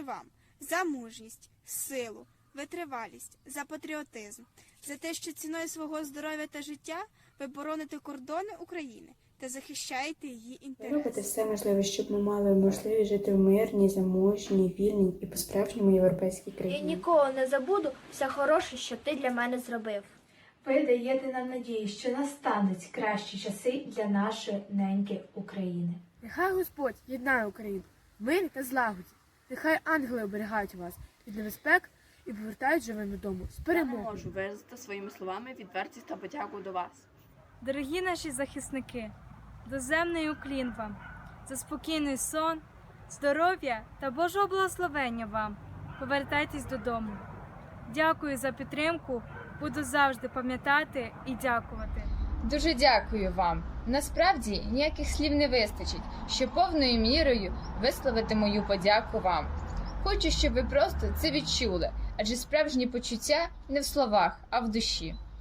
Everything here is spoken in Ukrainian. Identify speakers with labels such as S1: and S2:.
S1: вам за мужність, силу, витривалість, за патріотизм, за те, що ціною свого здоров'я та життя ви бороните кордони України та захищаєте її
S2: Ви
S1: інтереси.
S2: робите все можливе, щоб ми мали можливість жити в мирній, заможній, вільній і по-справжньому європейській
S3: Я
S2: країні.
S3: ніколи не забуду все хороше, що ти для мене зробив.
S4: Ви даєте нам надію, що настануть кращі часи для нашої неньки України.
S5: Нехай Господь єднає Україну, мир та злагоді. Нехай ангели оберігають вас від небезпек і повертають живим додому з
S6: Я не
S5: перемогою.
S6: можу виразити своїми словами відвертість та подяку до вас.
S7: Дорогі наші захисники, доземний уклін вам, за спокійний сон, здоров'я та Божого благословення вам. Повертайтесь додому. Дякую за підтримку, буду завжди пам'ятати і дякувати.
S8: Дуже дякую вам. Насправді ніяких слів не вистачить, щоб повною мірою висловити мою подяку вам. Хочу, щоб ви просто це відчули, адже справжні почуття не в словах, а в душі.